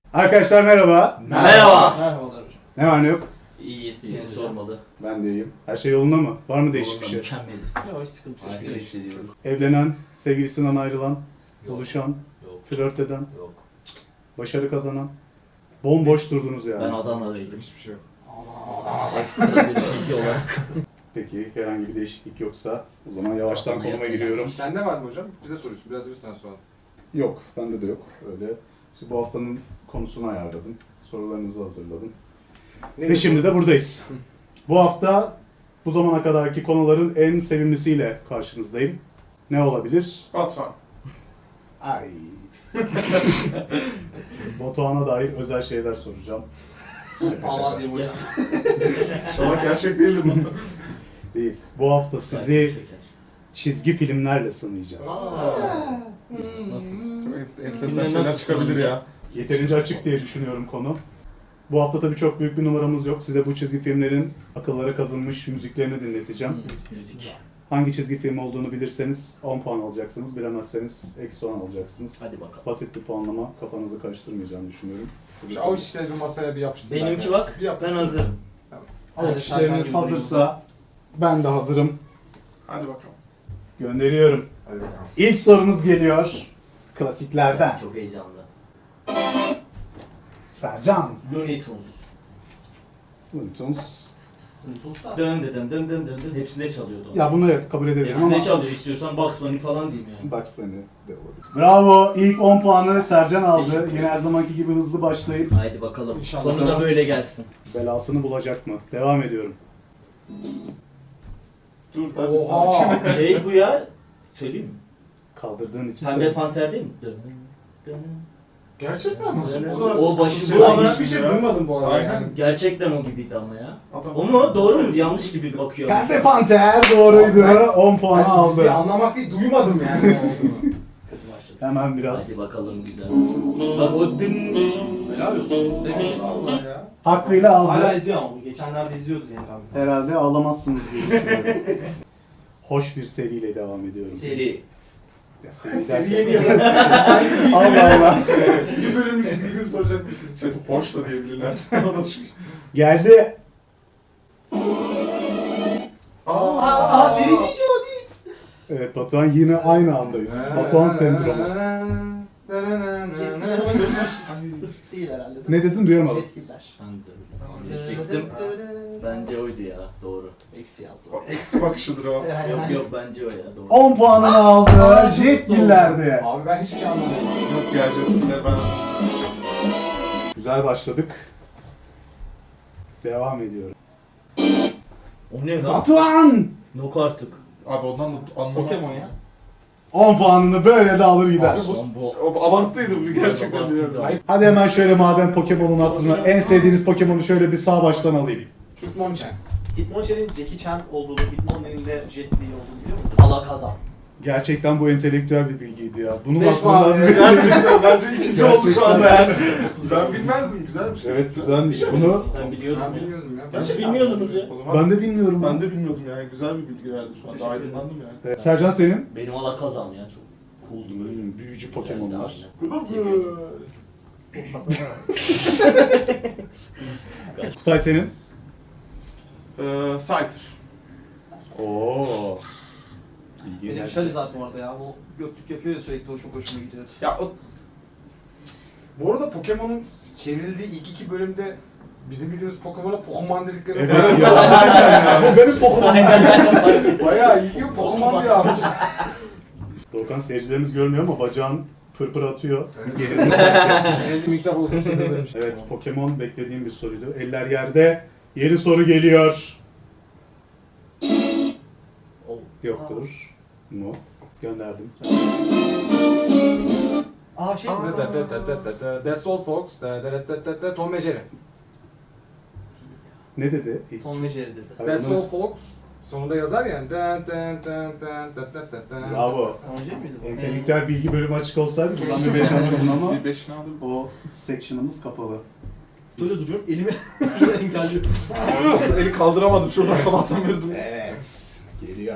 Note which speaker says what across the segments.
Speaker 1: Arkadaşlar merhaba.
Speaker 2: Merhaba.
Speaker 3: Merhabalar hocam.
Speaker 1: Ne var ne yok?
Speaker 2: İyiyiz, seni sormalı.
Speaker 1: Ben de iyiyim. Her şey yolunda mı? Var mı değişik bir şey?
Speaker 2: Mükemmeliz.
Speaker 3: Yok hiç sıkıntı yok.
Speaker 2: Harika hissediyorum.
Speaker 1: Evlenen, sevgilisinden ayrılan,
Speaker 2: Yok.
Speaker 1: buluşan,
Speaker 2: Yok.
Speaker 1: flört eden,
Speaker 2: Yok.
Speaker 1: başarı kazanan. Bomboş durdunuz yani.
Speaker 2: Ben Adana'daydım.
Speaker 3: Hiçbir şey yok.
Speaker 2: Ekstra bir bilgi olarak.
Speaker 1: Peki herhangi bir değişiklik yoksa o zaman yavaştan
Speaker 2: Adana'ya
Speaker 1: konuma
Speaker 2: selam.
Speaker 1: giriyorum.
Speaker 3: Sende var mı hocam? Bize soruyorsun. Biraz da biz sana soralım.
Speaker 1: Yok, bende de yok. Öyle. İşte bu haftanın konusunu ayarladım. Sorularınızı hazırladım. Ve şimdi de buradayız. Bu hafta bu zamana kadarki konuların en sevimlisiyle karşınızdayım. Ne olabilir?
Speaker 3: Batuhan.
Speaker 1: Ay. Batuhan'a dair özel şeyler soracağım.
Speaker 3: Aman diyeyim hocam.
Speaker 4: İnşallah gerçek değildir bu.
Speaker 1: Değiliz. Bu hafta sizi çizgi filmlerle sınayacağız.
Speaker 2: Nasıl?
Speaker 4: Enteresan şeyler çıkabilir ya.
Speaker 1: Yeterince açık diye düşünüyorum konu. Bu hafta tabii çok büyük bir numaramız yok. Size bu çizgi filmlerin akıllara kazınmış müziklerini dinleteceğim.
Speaker 2: Müzik.
Speaker 1: Hangi çizgi film olduğunu bilirseniz 10 puan alacaksınız. Bilemezseniz eksi 10 alacaksınız.
Speaker 2: Hadi bakalım.
Speaker 1: Basit bir puanlama, kafanızı karıştırmayacağını düşünüyorum.
Speaker 3: Şu avuç işleri bir masaya bir yapışsın.
Speaker 2: Benimki bak,
Speaker 3: Bir yapışsın.
Speaker 2: ben hazırım.
Speaker 1: Avuç işleriniz hazırsa ben de hazırım.
Speaker 4: Hadi bakalım.
Speaker 1: Gönderiyorum.
Speaker 3: Hadi bakalım.
Speaker 1: İlk sorumuz geliyor. Klasiklerden.
Speaker 2: Çok heyecanlı.
Speaker 1: Sercan.
Speaker 2: Looney Tunes.
Speaker 1: Looney Tunes.
Speaker 2: Dön dön dön dön dön hepsinde çalıyordu.
Speaker 1: Ya bunu evet kabul edebilirim
Speaker 2: Hepsinde
Speaker 1: ama
Speaker 2: çalıyor, istiyorsan Bugs Bunny falan diyeyim yani.
Speaker 1: Bugs Bunny de olabilir. Bravo. İlk 10 puanı Sercan aldı.
Speaker 2: Teşekkür
Speaker 1: Yine her zamanki gibi hızlı başlayıp
Speaker 2: Haydi bakalım.
Speaker 3: İnşallah.
Speaker 2: Sonu da böyle gelsin.
Speaker 1: belasını bulacak mı? Devam ediyorum.
Speaker 4: Dur hadi
Speaker 3: Oha.
Speaker 2: Şey bu ya, söyleyeyim mi?
Speaker 1: Kaldırdığın için
Speaker 2: Pembe
Speaker 1: söyle.
Speaker 2: Panter değil mi? Dön, dön.
Speaker 4: Gerçekten nasıl
Speaker 2: Dön.
Speaker 4: bu kadar?
Speaker 2: O başı
Speaker 4: şey
Speaker 2: bu
Speaker 4: var
Speaker 2: ama
Speaker 4: ya?
Speaker 3: Hiçbir şey duymadım bu arada
Speaker 4: Aynen.
Speaker 3: yani.
Speaker 2: Gerçekten o gibiydi ama ya.
Speaker 4: Adam-
Speaker 2: O mu? Doğru mu? Yanlış gibi bakıyor.
Speaker 1: Pembe Panter doğruydu. 10 puanı
Speaker 3: Ben müziği
Speaker 1: aldı.
Speaker 3: anlamak değil, duymadım yani ne olduğunu.
Speaker 2: Kötü başladı.
Speaker 1: Hemen biraz
Speaker 2: Hadi bakalım güzel. Bak o dın.
Speaker 5: Helal olsun.
Speaker 3: Allah ya.
Speaker 1: hakkıyla
Speaker 5: Hala
Speaker 1: aldı.
Speaker 5: izliyor ama bu geçenlerde izliyordu yani abi.
Speaker 1: Herhalde ağlamazsınız diye düşünüyorum. Hoş bir seriyle devam ediyorum.
Speaker 2: Seri.
Speaker 1: Ya, seri
Speaker 3: Seri
Speaker 1: derken-
Speaker 3: yeni yazın.
Speaker 1: Allah Allah.
Speaker 4: Bir bölümlük çizgi film soracak. Şey, hoş da diyebilirler.
Speaker 1: Geldi.
Speaker 4: Aa,
Speaker 5: seri değil.
Speaker 1: Evet Batuhan yine aynı andayız. Batuhan sendromu.
Speaker 5: Değil herhalde.
Speaker 1: Ne dedin duyamadım.
Speaker 5: Yetkililer.
Speaker 2: Ben de diyecektim. Bence oydu ya. Doğru.
Speaker 5: Eksi yazdım.
Speaker 4: eksi bakışıdır o.
Speaker 2: Yok yok bence o ya. Doğru.
Speaker 1: 10 puanını aldı. Jetgiller'de.
Speaker 3: Abi ben hiçbir şey anlamadım.
Speaker 4: Yok gerçekten ben...
Speaker 1: Güzel başladık. Devam ediyorum.
Speaker 2: O ne lan?
Speaker 1: Batuhan!
Speaker 2: Yok artık.
Speaker 4: Abi ondan da anlamazsın.
Speaker 5: Pokemon ya.
Speaker 1: 10 puanını böyle de alır gider.
Speaker 2: Lan bu.
Speaker 4: O abarttıydı bu gerçekten.
Speaker 2: Abartıydı.
Speaker 4: biliyorum.
Speaker 3: Hayır.
Speaker 1: Hadi hemen şöyle madem Pokemon'un hatırına en sevdiğiniz Pokemon'u şöyle bir sağ baştan alayım.
Speaker 3: Hitmonchan.
Speaker 5: Hitmonchan'in Jackie Chan olduğunu, Hitmon'un de Jet Li olduğunu biliyor musun?
Speaker 2: Alakazam.
Speaker 1: Gerçekten bu entelektüel bir bilgiydi ya. Bunu
Speaker 3: 5 puan.
Speaker 1: hatırlamıyorum.
Speaker 4: Gerçekten bence ikinci oldu şu anda yani.
Speaker 5: Otuz
Speaker 4: Ben bilmezdim. Güzel bir şey.
Speaker 1: Evet güzelmiş. Bunu
Speaker 2: Ben biliyordum
Speaker 3: Ben
Speaker 2: ya.
Speaker 3: bilmiyordum ya.
Speaker 2: Nasıl bilmiyordunuz ya?
Speaker 4: O zaman
Speaker 1: ben de bilmiyorum.
Speaker 4: ben de bilmiyordum yani. Güzel bir bilgi verdi şu anda.
Speaker 5: Teşekkür
Speaker 4: Aydınlandım yani.
Speaker 1: Sercan senin?
Speaker 2: Benim Alakazam ya. Çok cool'du böyle.
Speaker 1: Büyücü Pokemon'lar. Kutay senin?
Speaker 4: Scyther.
Speaker 1: Oo.
Speaker 5: Benim
Speaker 1: İlginç.
Speaker 5: Charizard bu arada ya. O göklük yapıyor ya sürekli, o çok hoşuma gidiyordu.
Speaker 3: Ya o... Bu arada Pokemon'un çevrildiği ilk iki bölümde bizim bildiğimiz Pokemon'a Pokemon dedikleri
Speaker 1: Evet ya. Bu benim Pokemon.
Speaker 3: bayağı iyi ki Pokemon diyor abi.
Speaker 1: Doğukan seyircilerimiz görmüyor ama bacağın pırpır atıyor.
Speaker 3: Genelde miktar uzun süre vermiş.
Speaker 1: Evet Pokemon beklediğim bir soruydu. Eller yerde. Yeni soru geliyor.
Speaker 2: Oh.
Speaker 1: Yoktur. Mu. Gönderdim.
Speaker 5: Aa şey mi?
Speaker 3: That's all folks. Tom ve Jerry.
Speaker 1: Ne dedi? İlk.
Speaker 5: Tom ve Jerry dedi.
Speaker 1: Hayır,
Speaker 3: That's
Speaker 1: bunu-
Speaker 3: all folks. Sonunda yazar yani.
Speaker 1: Bravo.
Speaker 5: Tom ve Jerry miydi bu?
Speaker 1: Entelektüel bilgi bölümü açık olsaydı buradan bir 5 alırdım ama
Speaker 4: Bir beşini aldım.
Speaker 1: o section'ımız kapalı.
Speaker 5: Böyle duruyorum, elimi şurada engelliyorum.
Speaker 4: Eli kaldıramadım şuradan sabahtan beri duruyor.
Speaker 1: Evet. Geliyor.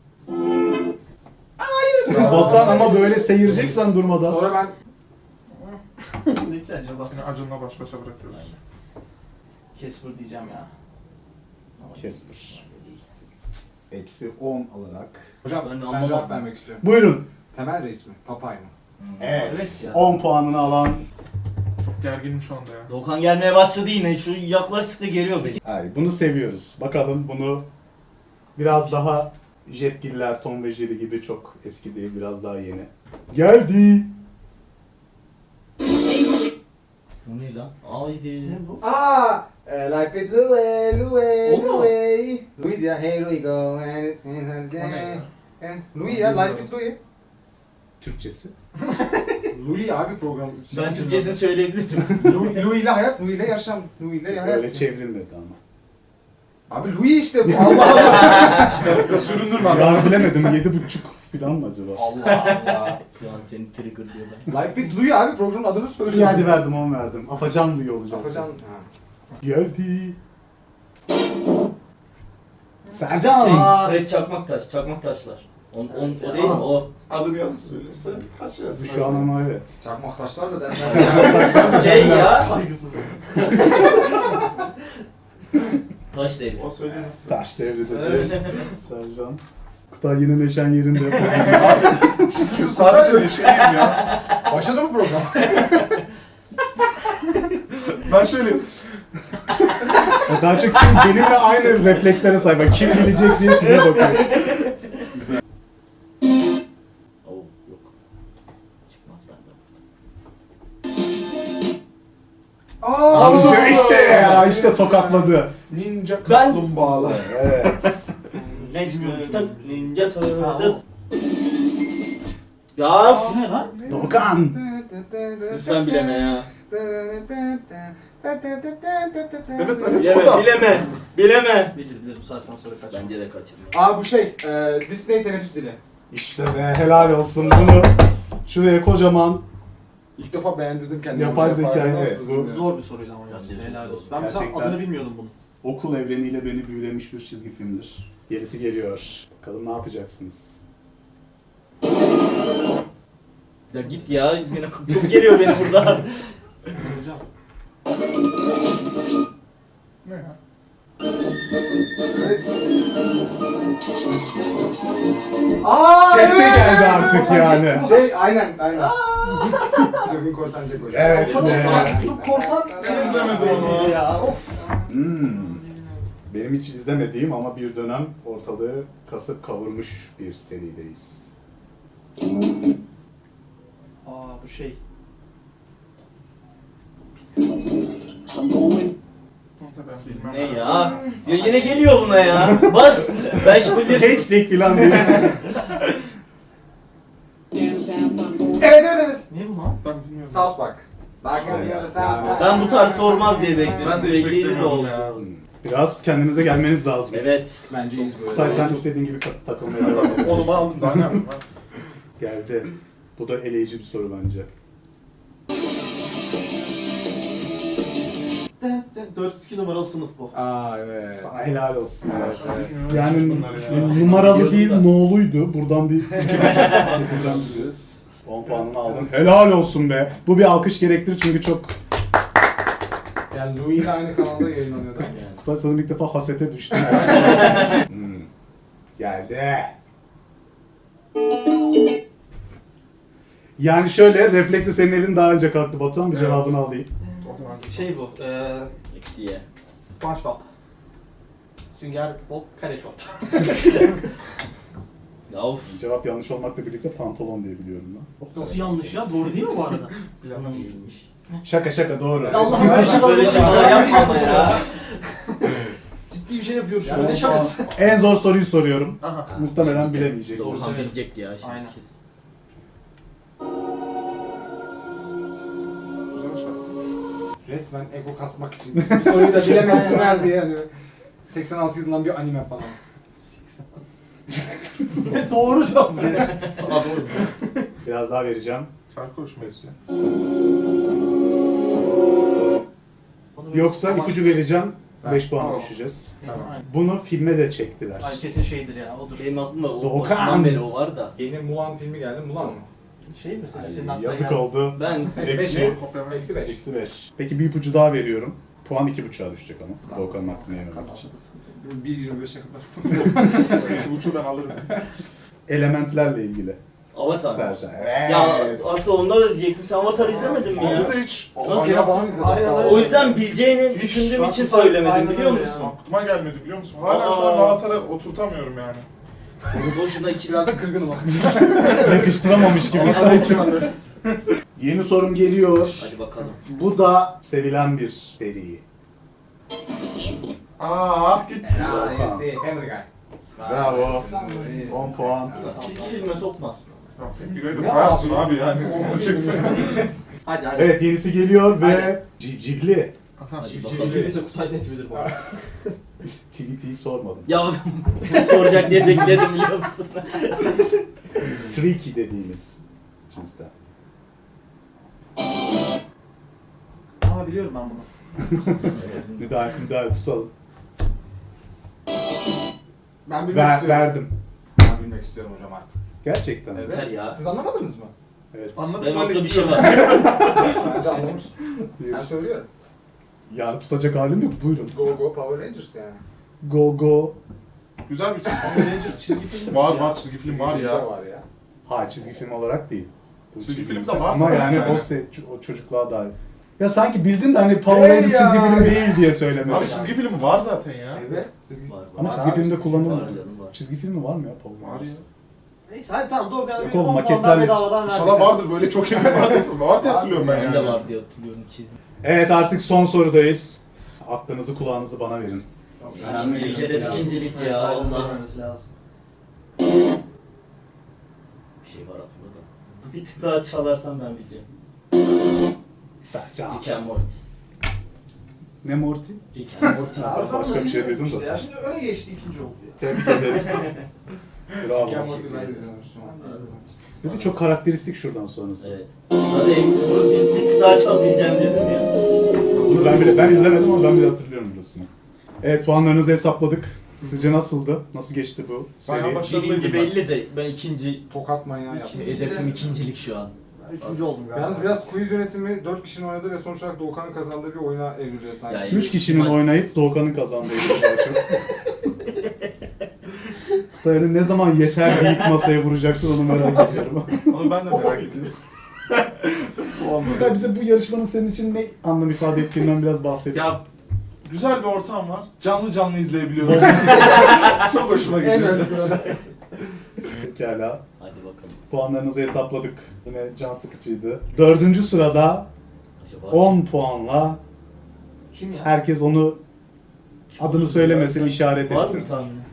Speaker 3: Hayır.
Speaker 1: Batuhan ama böyle seyirceksen durmadan.
Speaker 3: Sonra ben
Speaker 5: Ne ki acaba?
Speaker 4: Seni Acun'la baş başa bırakıyoruz.
Speaker 5: Casper diyeceğim ya. Ama
Speaker 1: Casper.
Speaker 5: değil.
Speaker 1: Eksi 10 alarak.
Speaker 3: Hocam
Speaker 2: Ben
Speaker 3: ben
Speaker 2: anlamadım.
Speaker 3: cevap vermek istiyorum.
Speaker 1: Buyurun.
Speaker 3: Temel reis mi? Papay mı?
Speaker 5: Evet ya.
Speaker 1: 10 puanını alan.
Speaker 4: Çok gerginim şu anda ya.
Speaker 2: Doğukan gelmeye başladı yine. Şu yaklaştıkça geliyor beni.
Speaker 1: Ay, bunu seviyoruz. Bakalım bunu biraz daha Jetgiller, Tom ve Jerry gibi çok eski değil, biraz daha yeni. Geldi.
Speaker 2: Bu ne lan? Haydi.
Speaker 5: Ne bu?
Speaker 3: Life with Louis, Louis,
Speaker 5: O mu?
Speaker 3: Louis. Louis ya, hey Louis go.
Speaker 4: O ne ya?
Speaker 3: Louis ya, Life with Louis.
Speaker 1: Türkçesi.
Speaker 3: Louis abi program.
Speaker 2: Ben Türkçesini söyleyebilirim.
Speaker 3: Louis ile hayat, Louis ile yaşam, Louis ile hayat.
Speaker 1: Öyle çevrilmedi ama.
Speaker 3: Abi Louis işte bu. Allah Allah.
Speaker 4: Süründürme abi.
Speaker 1: Ya bilemedim, 7,5 falan mı acaba?
Speaker 3: Allah Allah.
Speaker 2: Şu an seni trigger diyorlar.
Speaker 3: Life with Louis abi programın adını
Speaker 1: İyi
Speaker 3: söylüyor.
Speaker 1: hadi verdim, 10 verdim. Afacan Louis olacak.
Speaker 3: Afacan.
Speaker 1: Geldi. Sercan.
Speaker 2: Fred Çakmaktaş, Çakmaktaşlar. O değil mi? O.
Speaker 4: Adını yanlış söylüyorsa kaç
Speaker 1: Bu
Speaker 4: yersin?
Speaker 1: şu an ama evet.
Speaker 3: Çakmak taşlar da denmez.
Speaker 2: Şey ya.
Speaker 5: Saygısız.
Speaker 2: Taş devri.
Speaker 4: O söylemesin.
Speaker 1: Taş devri dedi. Sercan. Kutay yine neşen yerinde.
Speaker 4: Şimdi sadece neşeyim ya.
Speaker 3: Başladı mı program?
Speaker 4: Ben şöyle
Speaker 1: Daha çok kim benimle aynı reflekslere sahip. Kim bilecek diye size bakıyor.
Speaker 2: Oo yok. Çıkmaz benden.
Speaker 1: Amca işte ya, işte tokatladı.
Speaker 4: ninja
Speaker 2: Ben-
Speaker 4: kaplumbağalar.
Speaker 1: Evet.
Speaker 2: Ninja Turtles. Ya
Speaker 5: Bu ne lan?
Speaker 1: Doğukan.
Speaker 2: lütfen bileme ya.
Speaker 4: Evet
Speaker 2: Bileme, bileme. Bileme.
Speaker 5: Bilir bu saatten sonra kaçmaz.
Speaker 2: Bence de kaçırma.
Speaker 3: Aa bu şey, Disney teneffüs dili.
Speaker 1: İşte be, helal olsun bunu. Şuraya kocaman
Speaker 3: İlk defa beğendirdim kendimi.
Speaker 1: Yapay
Speaker 3: Hocam,
Speaker 1: zeka,
Speaker 3: farkında
Speaker 1: evet,
Speaker 3: mısınız?
Speaker 1: bu-
Speaker 5: Zor bir soruydu ama
Speaker 2: Bence
Speaker 5: gerçekten.
Speaker 2: çok
Speaker 5: Helal
Speaker 2: zor.
Speaker 5: olsun. Ben mesela
Speaker 1: Gerçekten.
Speaker 5: adını bilmiyordum bunun.
Speaker 1: okul evreniyle beni büyülemiş bir çizgi filmdir. Gerisi geliyor. Bakalım ne yapacaksınız?
Speaker 2: Ya git ya. Yine çok geliyor beni burada.
Speaker 5: Hocam.
Speaker 4: Ne ya?
Speaker 3: Evet. Aa,
Speaker 1: Ses de
Speaker 3: evet,
Speaker 1: geldi
Speaker 3: evet,
Speaker 1: artık
Speaker 3: korsan
Speaker 1: yani.
Speaker 3: Jack. Şey, aynen. Çılgın korsan Jack hocam.
Speaker 1: Evet.
Speaker 5: Çok korsan.
Speaker 4: İzlemedim onu.
Speaker 5: Ya of.
Speaker 1: Benim hiç izlemediğim ama bir dönem ortalığı kasıp kavurmuş bir serideyiz.
Speaker 5: Aa bu şey.
Speaker 4: Onu da ben bilmem.
Speaker 2: Ne ya? Ya yine geliyor buna ya. Bas. Ben şimdi bir...
Speaker 1: Geçtik falan diye.
Speaker 3: Evet, evet, evet.
Speaker 5: Ne bu lan?
Speaker 4: Ben bilmiyorum.
Speaker 3: South Park.
Speaker 2: Ben bu tarz sormaz diye bekledim.
Speaker 4: Ben de hiç
Speaker 2: Bekleydi de
Speaker 4: beklemiyordum
Speaker 2: oldu.
Speaker 4: ya.
Speaker 1: Biraz kendinize gelmeniz lazım.
Speaker 2: Evet.
Speaker 3: Bence iyiyiz böyle.
Speaker 1: Kutay sen istediğin gibi takılmaya devam edebilirsin.
Speaker 4: Onu aldım daha ne yapayım ben?
Speaker 1: Geldi. Bu da eleyici bir soru bence.
Speaker 5: 402 numaralı sınıf bu.
Speaker 3: Aa evet.
Speaker 1: Sana helal olsun.
Speaker 3: Evet, evet.
Speaker 1: Yani
Speaker 4: Bunlar
Speaker 1: şu
Speaker 4: ya.
Speaker 1: numaralı
Speaker 2: Biliyordum
Speaker 1: değil,
Speaker 2: da.
Speaker 1: no'luydu. Buradan bir 2,5 keseceğim. 10 puanını aldım. Helal olsun be. Bu bir alkış gerektirir çünkü çok...
Speaker 3: Yani Louis ile aynı kanalda yayınlanıyordu.
Speaker 2: Yani.
Speaker 1: Kutay sanırım ilk defa hasete düştü. Geldi. Yani şöyle, refleksle senin elin daha önce kalktı Batuhan. Bir
Speaker 4: Evet.
Speaker 1: cevabını alayım.
Speaker 5: Şey bu.
Speaker 2: Eksiye.
Speaker 5: SpongeBob. Sünger Bob kare şort.
Speaker 2: Ya of.
Speaker 1: Cevap yanlış olmakla birlikte pantolon diye biliyorum ben.
Speaker 5: Nasıl yanlış ya? Doğru değil mi bu arada?
Speaker 2: Planım bilmiş.
Speaker 1: Şaka doğru.
Speaker 5: Ya Allah
Speaker 2: Böyle
Speaker 5: böyle
Speaker 2: böyle şakalar yapma ama ya.
Speaker 5: Ciddi bir şey yapıyoruz şu an.
Speaker 1: Yani
Speaker 5: Ne şakası?
Speaker 1: En zor soruyu soruyorum.
Speaker 5: Aha.
Speaker 1: Muhtemelen bilemeyeceksin.
Speaker 2: Doğrudan bilecek ya şimdi
Speaker 5: Aynen.
Speaker 2: kesin.
Speaker 4: Güzel şarkı.
Speaker 3: Resmen ego kasmak için. Bu soruyu da bilemesinler diye hani. 86 yılından bir anime falan.
Speaker 5: Doğru cevap. Aa doğru.
Speaker 1: Biraz daha vereceğim.
Speaker 4: Şarkı hoşuma gidiyor.
Speaker 1: Yoksa ipucu vereceğim. 5 puan
Speaker 4: Tamam.
Speaker 1: düşeceğiz.
Speaker 3: Tamam.
Speaker 1: Bunu filme de çektiler.
Speaker 5: Ay kesin şeydir ya odur.
Speaker 2: Benim aklımda o
Speaker 1: Doğukan.
Speaker 2: başından beri o var da.
Speaker 3: Yeni Mulan filmi geldi. Mulan mı?
Speaker 5: Şey misin? Senin
Speaker 1: Ay,
Speaker 5: aklına
Speaker 1: yazık
Speaker 5: gelen-
Speaker 1: oldu.
Speaker 2: Ben
Speaker 1: Eksi,
Speaker 4: Kopya ver.
Speaker 3: Eksi 5.
Speaker 1: eksi 5. Peki bir ipucu daha veriyorum. Puan 2.5'a düşecek ama. Doğukan'ın hakkını yememek için.
Speaker 3: 1.25'e kadar.
Speaker 4: Bu uçu ben alırım.
Speaker 1: Elementlerle ilgili.
Speaker 2: Avatar.
Speaker 1: Sercan.
Speaker 2: Ya
Speaker 1: Evet.
Speaker 2: aslında onu da diyecektim. Sen Avatar izlemedin mi
Speaker 4: Onu
Speaker 2: ya?
Speaker 4: da hiç
Speaker 2: Nasıl
Speaker 3: Kera falan izledim.
Speaker 5: Aynen öyle.
Speaker 2: O yüzden bileceğini düşündüğüm için söylemedim biliyor
Speaker 5: Aynen öyle
Speaker 2: musun?
Speaker 4: aklıma gelmedi biliyor musun? Hala şu an Avatar'a oturtamıyorum yani.
Speaker 2: Boşuna iki...
Speaker 3: Biraz da kırgınım ama.
Speaker 1: Yakıştıramamış gibi sanki. Yeni sorum geliyor.
Speaker 2: Hadi bakalım.
Speaker 1: Bu da sevilen bir seri.
Speaker 4: Gitti.
Speaker 3: Family Guy.
Speaker 1: Bravo. 10 puan.
Speaker 2: Çizgi filme sokmazsın.
Speaker 4: Ya Fingir'e de koyarsın abi yani. Onu çıktı.
Speaker 5: Hadi hadi.
Speaker 1: Evet yenisi geliyor ve
Speaker 5: Hadi.
Speaker 1: civcivli.
Speaker 2: Hadi
Speaker 5: Civciv
Speaker 2: bakalım.
Speaker 5: ise Kutay net bilir bu arada.
Speaker 1: Tweet'i sormadım.
Speaker 2: Ya soracak diye bekledim biliyor musun?
Speaker 1: Tricky dediğimiz cinsten.
Speaker 5: Aa biliyorum ben bunu.
Speaker 1: Müdahale tutalım.
Speaker 3: Ben bilmek istiyorum.
Speaker 1: Verdim.
Speaker 3: Ben bilmek istiyorum hocam artık.
Speaker 1: Gerçekten.
Speaker 3: Evet.
Speaker 2: Yeter ya.
Speaker 3: Siz anlamadınız mı?
Speaker 1: Evet.
Speaker 4: Anladım
Speaker 2: Benim
Speaker 4: böyle
Speaker 2: aklımda bir şey
Speaker 4: istiyorum.
Speaker 2: var.
Speaker 3: Bence anlamış. Ben söylüyorum.
Speaker 1: Ya tutacak halim yok. Buyurun.
Speaker 3: Go Go Power Rangers yani.
Speaker 1: Go go.
Speaker 4: Güzel bir çizgi
Speaker 5: Power Ranger çizgi film
Speaker 4: film.
Speaker 5: mi
Speaker 4: Var
Speaker 5: ya?
Speaker 4: var çizgi film var ya.
Speaker 3: Var ya.
Speaker 1: Ha çizgi film olarak değil. Bu
Speaker 4: Çizgi film de
Speaker 1: film
Speaker 4: var
Speaker 1: ama
Speaker 4: zaten
Speaker 1: yani
Speaker 4: yani.
Speaker 1: o çocukluğa dair. Ya sanki bildin de hani Power
Speaker 3: Hey
Speaker 1: Rangers
Speaker 3: ya!
Speaker 1: çizgi film değil diye söylemedim.
Speaker 4: Abi çizgi film var zaten ya.
Speaker 3: Evet. Çizgi
Speaker 2: Var, var.
Speaker 1: Ama
Speaker 3: Var
Speaker 1: çizgi
Speaker 3: abi,
Speaker 1: filmde
Speaker 3: çizgi
Speaker 1: kullanılmıyor.
Speaker 2: Var canım var.
Speaker 1: Çizgi filmi var mı ya Power
Speaker 4: Var ya.
Speaker 1: Rangers?
Speaker 5: Neyse hadi tamam Doğukan'a
Speaker 1: Yok
Speaker 5: bir
Speaker 1: oğlum,
Speaker 5: 10 puan
Speaker 1: maketlerle-
Speaker 5: daha bedavadan verdik.
Speaker 4: İnşallah vardır böyle çok iyi var diye hatırlıyorum ben
Speaker 2: Ben de
Speaker 4: yani.
Speaker 2: var diye hatırlıyorum çizim.
Speaker 1: Evet artık son sorudayız. Aklınızı kulağınızı bana verin.
Speaker 2: Önemli değil. Hedef ikincilik ya Allah.
Speaker 5: lazım.
Speaker 2: Bir şey var aklımda da. Bir tık daha çalarsan ben bileceğim.
Speaker 1: Sercan.
Speaker 2: Rick and Morty.
Speaker 1: Ne Morty?
Speaker 2: Rick and Morty.
Speaker 1: Başka bir şey duydum da.
Speaker 5: Ya şimdi öne geçti ikinci oldu ya.
Speaker 1: Tebrik ederiz. Bravo.
Speaker 3: Ken Watson ben de izlememiştim.
Speaker 5: Ben de izlemedim.
Speaker 1: Bir de çok karakteristik şuradan sonrası.
Speaker 2: Evet. Hadi bir tık daha çalabileceğim dedim ya.
Speaker 1: Bunu ben izlemedim ama ben bile hatırlıyorum burasını. Evet puanlarınızı hesapladık. Sizce nasıldı? Nasıl geçti bu
Speaker 4: Bayağı
Speaker 1: seri?
Speaker 4: başarılıydım
Speaker 2: Birinci
Speaker 4: ben.
Speaker 2: belli de ben ikinci
Speaker 3: Tokat manyağı yaptım.
Speaker 2: hedefim ikincilik şu an.
Speaker 5: Ben üçüncü oldum galiba.
Speaker 3: Yalnız biraz quiz yönetimi 4 kişinin oynadığı ve sonuç olarak Doğukan'ın kazandığı bir oyuna evriliyor sanki.
Speaker 2: Ya,
Speaker 1: 3 kişinin oynayıp Doğukan'ın kazandığı için daha çok. Yani ne zaman yeter deyip masaya vuracaksın onu merak ediyorum.
Speaker 4: Onu ben de merak ediyorum.
Speaker 1: Burada bize bu yarışmanın senin için ne anlam ifade ettiğinden biraz bahset.
Speaker 4: Ya güzel bir ortam var. Canlı canlı izleyebiliyorum. Çok hoşuma
Speaker 3: En
Speaker 4: gidiyor.
Speaker 3: ön sırada.
Speaker 1: Pekala.
Speaker 2: Hadi bakalım.
Speaker 1: Puanlarınızı hesapladık. Yine can sıkıcıydı. 4. sırada
Speaker 2: Acaba
Speaker 1: 10 puanla
Speaker 5: Kim ya?
Speaker 1: herkes onu adını söylemesin, işaret
Speaker 2: var
Speaker 1: etsin.
Speaker 2: mı tahmini?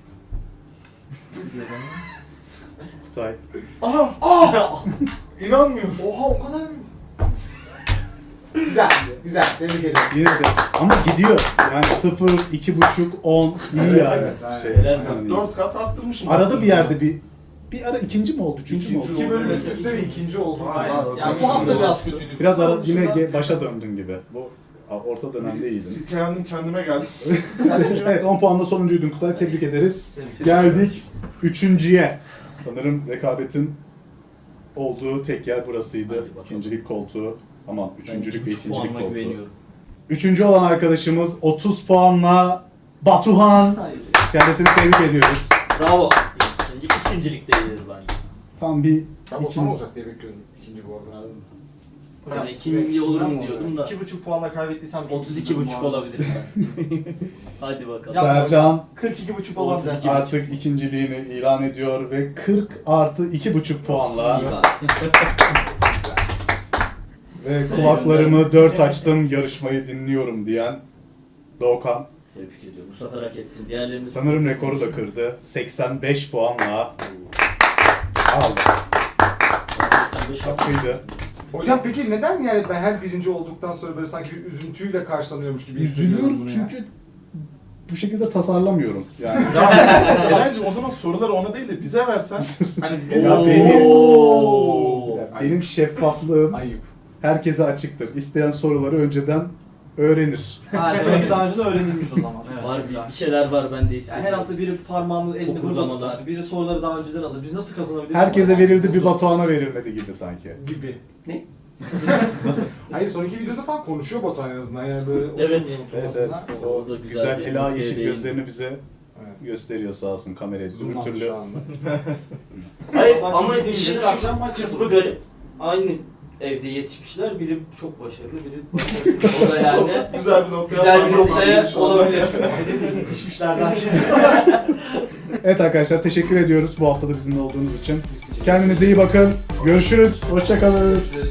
Speaker 1: Kutay.
Speaker 4: Aha! İnanmıyorum.
Speaker 5: Oha o kadar mı?
Speaker 3: Güzel, güzel. Tebrik ederiz.
Speaker 1: Yine de ama gidiyor. Yani 0, 2,5, 10 iyi yani.
Speaker 3: evet, aynen.
Speaker 1: Şey,
Speaker 2: Helal
Speaker 1: yani iyi.
Speaker 4: 4 kat arttırmışım.
Speaker 1: Arada bir yerde bir ara ikinci mi oldu, üçüncü mü oldu?
Speaker 3: İki bölüm üst üste bir ikinci oldu.
Speaker 4: Aynen.
Speaker 3: Aynen.
Speaker 5: Ya bu hafta biraz kötüydük.
Speaker 1: Biraz ara, yine
Speaker 5: Şuradan-
Speaker 1: başa döndün gibi. Bu orta dönemde iyiydin.
Speaker 4: Silkelendim kendime geldim.
Speaker 1: Evet 10 puanla sonuncuydun Kutay. Tebrik ederiz.
Speaker 5: Tebrik
Speaker 1: Geldik üçüncüye. Sanırım rekabetin olduğu tek yer burasıydı.
Speaker 2: Hadi bakalım.
Speaker 1: İkincilik koltuğu. Aman üçüncülük ve ikincilik
Speaker 2: puanıma
Speaker 1: koltuğu.
Speaker 2: güveniyorum.
Speaker 1: Üçüncü olan arkadaşımız 30 puanla Batuhan.
Speaker 5: Hayır.
Speaker 1: Kendisini tebrik ediyoruz.
Speaker 2: Bravo. İkincilikte gelir bence.
Speaker 1: Tam bir
Speaker 3: Ben Okan
Speaker 1: ikinci.
Speaker 3: olacak diye bekliyordum ikinci bu arada.
Speaker 2: Hocam ikinci olurum diyordum da.
Speaker 5: 2,5 puanla kaybettiysem çok
Speaker 2: 32,5 olabilir ben. Hadi bakalım.
Speaker 5: Ya-
Speaker 1: Sercan
Speaker 5: 42,5 olan
Speaker 2: 32.
Speaker 5: da.
Speaker 1: artık ikinciliğini ilan ediyor ve 40 artı 2,5 puanla ve kulaklarımı dört açtım yarışmayı dinliyorum diyen Doğukan.
Speaker 2: Tebrik ediyorum. Bu sefer hak ettin. Diğerlerini
Speaker 1: Sanırım rekoru da kırdı. 85 puanla aldı.
Speaker 2: 85
Speaker 1: Şapkaydı.
Speaker 3: Hocam peki neden yani ben her birinci olduktan sonra böyle sanki bir üzüntüyle karşılanıyormuş gibi hissediyorum bunu
Speaker 1: Üzülüyoruz
Speaker 3: ya?
Speaker 1: çünkü bu şekilde tasarlamıyorum. Yani
Speaker 4: Eren'cim o zaman soruları ona değil de bize versen. Hani biz
Speaker 1: Ya
Speaker 2: Oo.
Speaker 1: benim şeffaflığım
Speaker 3: Ayıp.
Speaker 1: herkese açıktır. İsteyen soruları önceden öğrenir.
Speaker 5: Ha demek ki daha önce de öğrenilmiş o zaman. Evet.
Speaker 2: Var bir şeyler var ben de
Speaker 5: Yani
Speaker 2: hissediyorum.
Speaker 5: her hafta biri parmağını elini burada
Speaker 2: Fokurlamalar.
Speaker 5: tutar, biri soruları daha önceden alır. Biz nasıl kazanabiliriz?
Speaker 1: Herkese verildi, bir Batuhan'a verilmedi gibi sanki.
Speaker 3: Gibi.
Speaker 5: Ne?
Speaker 1: Nasıl?
Speaker 3: Hayır son iki videoda falan konuşuyor Batuhan en azından yani böyle
Speaker 2: Evet.
Speaker 1: Evet,
Speaker 3: oturmasına.
Speaker 1: evet.
Speaker 2: O
Speaker 1: O
Speaker 2: da güzel
Speaker 1: güzel
Speaker 2: bir
Speaker 1: ela
Speaker 2: noktaya
Speaker 1: yeşil
Speaker 2: değindi.
Speaker 1: gözlerini bize
Speaker 3: Evet.
Speaker 1: gösteriyor sağ olsun kameraya. Öbür
Speaker 3: Zoom'dan
Speaker 1: türlü
Speaker 3: şu anda.
Speaker 2: Hayır
Speaker 5: Sabah
Speaker 2: ama
Speaker 5: şimdi
Speaker 2: işin
Speaker 5: gelir,
Speaker 2: şu
Speaker 5: akşam maç
Speaker 2: kısmı
Speaker 5: yapılır.
Speaker 2: garip. Aynı evde yetişmişler. Biri çok başarılı, biri başarısız. O da yani
Speaker 4: Güzel bir noktaya
Speaker 2: güzel bir
Speaker 4: parmak
Speaker 2: noktaya
Speaker 4: basmış şu anda.
Speaker 2: olabilir.
Speaker 5: Yetişmişlerden şimdi.
Speaker 1: Evet arkadaşlar teşekkür ediyoruz bu hafta da bizimle olduğunuz için. Kendinize iyi bakın. Görüşürüz. Hoşça kalın.